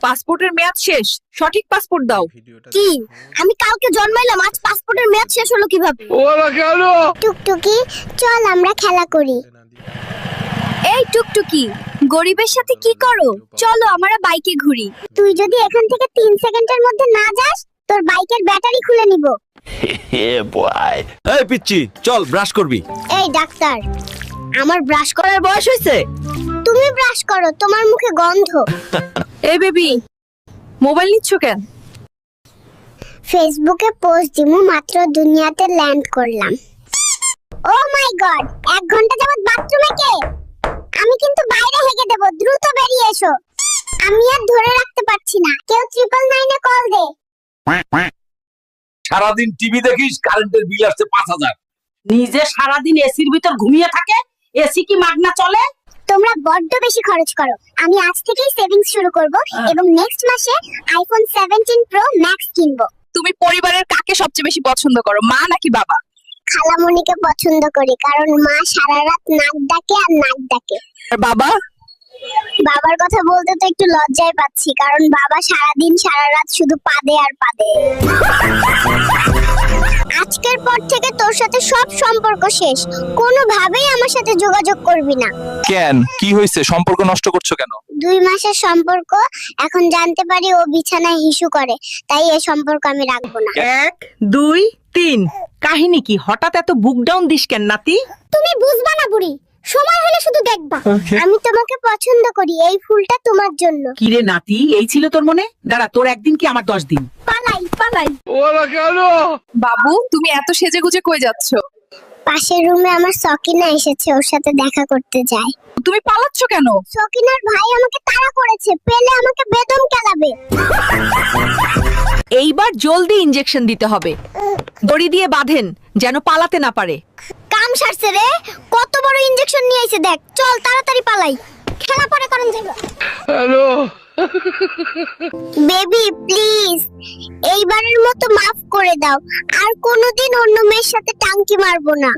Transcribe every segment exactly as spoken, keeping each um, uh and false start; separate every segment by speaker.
Speaker 1: পাসপোর্টের মেয়াদ শেষ, সঠিক পাসপোর্ট দাও।
Speaker 2: কি আমি কালকে জন্মাইলাম, আজ পাসপোর্টের মেয়াদ শেষ হলো কিভাবে?
Speaker 3: ওরা কেন?
Speaker 2: টুকটুকি চল আমরা খেলা করি। এই টুকটুকি, গরিবের সাথে কি করো? চলো আমরা বাইকে ঘুরি। তুই যদি এখান থেকে তিন সেকেন্ডের মধ্যে না যাস, তোর বাইকের ব্যাটারি খুলে নিব।
Speaker 4: এই পিচ্চি, চল ব্রাশ করবি।
Speaker 2: এই ডাক্তার, আমার ব্রাশ
Speaker 1: করার বয়স হয়েছে?
Speaker 2: তুমি ব্রাশ করো, তোমার মুখে গন্ধ।
Speaker 1: এই বেবি, মোবাইল নিচ্ছ কেন?
Speaker 2: ফেসবুকে পোস্ট দিমু, মাত্র দুনিয়াতে ল্যান্ড করলাম। ও মাই গড, এক ঘন্টা যাবত বাথরুমে কে? আমি কিন্তু বাইরে হেগে দেব, দ্রুত বেরিয়ে এসো। আমি আর ধরে রাখতে পারছি না, কেউ ট্রিপল নাইনে কল দে।
Speaker 4: সারাদিন টিভি দেখিস, কারেন্টের বিল আসছে পাঁচ হাজার।
Speaker 5: নিজে সারাদিন এসির ভিতর ঘুমিয়ে থাকে, এসি কি মাগনা চলে?
Speaker 2: তোমরা বড্ড বেশি খরচ করো। আমি আজ থেকেই সেভিংস শুরু করব এবং নেক্সট মাসে আইফোন সেভেন্টিন প্রো ম্যাক্স কিনবো।
Speaker 1: তুমি পরিবারের কাকে সবচেয়ে বেশি পছন্দ করো, মা নাকি বাবা?
Speaker 2: খালামণিকে পছন্দ করি, কারণ মা সারা রাত নাক ডাকে আর নাক ডাকে।
Speaker 1: আর বাবা?
Speaker 2: বাবার কথা বলতে তো একটু লজ্জায় পাচ্ছি, কারণ বাবা সারাদিন সারা রাত শুধু পাদে আর পাদে। আজকের পর থেকে তোর সাথে সব সম্পর্ক শেষ, কোনোভাবেই আমার সাথে যোগাযোগ করবি না।
Speaker 4: কেন, কি হয়েছে? সম্পর্ক নষ্ট করছো কেন?
Speaker 2: দুই মাসের সম্পর্ক, এখন জানতে পারি ও বিছানায় হিসু করে, তাই এই সম্পর্ক আমি রাখবো না।
Speaker 5: এক দুই তিন। কাহিনী কি? হঠাৎ এত বুক ডাউন দিস কেন নাতি?
Speaker 2: তুমি বুঝবা না বুড়ি, সময় হলে শুধু দেখবা। আমি তোমাকে পছন্দ করি, এই ফুলটা তোমার জন্য।
Speaker 5: কিরে নাতি, এই ছিল তোর মনে? দাঁড়া, তোর একদিন কি আমার দশ দিন?
Speaker 2: পালাই পালাই।
Speaker 3: ওরা কেন?
Speaker 1: বাবু, তুমি এত সেজে গুজে কই যাচ্ছ?
Speaker 2: পাশের রুমে আমার সকিনা এসেছে, ওর সাথে দেখা করতে যাই।
Speaker 1: তুমি পালাচ্ছ কেন?
Speaker 2: সকিনার ভাই আমাকে তাড়া করেছে, পেলে আমাকে বেদম কেলাবে।
Speaker 6: এইবার জলদি ইনজেকশন দিতে হবে, দড়ি দিয়ে বাঁধেন যেন পালাতে না পারে।
Speaker 2: কাম সারছে রে, কত বড় ইনজেকশন নিয়ে এসে দেখ। চল তাড়াতাড়ি পালাই, খেলা পরে করেন যাবে।
Speaker 3: হ্যালো,
Speaker 2: বেবি প্লিজ, এইবারের মতো মাফ করে দাও, আর কোনোদিন অন্য মেয়ের সাথে টাঙ্কি মারবো না।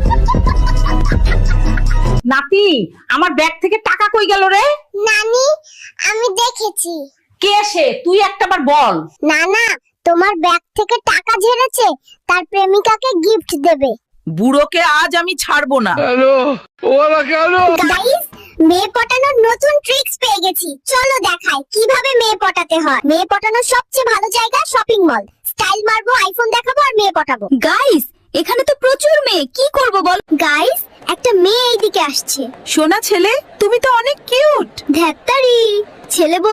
Speaker 5: নাতি, আমার ব্যাগ থেকে টাকা কই গেল রে?
Speaker 2: নানি, আমি দেখেছি।
Speaker 5: কে সে? তুই একটাবার বল।
Speaker 2: না না, তোমার ব্যাগ থেকে টাকা ঝেড়েছে, তার প্রেমিকাকে গিফট দেবে।
Speaker 6: বুড়োকে আজ আমি ছাড়বো না।
Speaker 3: হ্যালো, ওরা কেন?
Speaker 2: গাইস, মেয়ে পটানোর নতুন ট্রিক্স পেয়ে গেছি, চলো দেখাই কিভাবে মেয়ে পটাতে হয়। মেয়ে পটানোর সবচেয়ে ভালো জায়গা শপিং মল। স্টাইল মারবো, আইফোন দেখাবো আর মেয়ে পটাবো। গাইস, এখানে তো প্রচুর মেয়ে, কি করব বল? গাইস, একটা মেয়ে এইদিকে আসছে।
Speaker 6: সোনা ছেলে, তুমি তো অনেক কিউট।
Speaker 2: ধ্যাত্তারি, ছেলে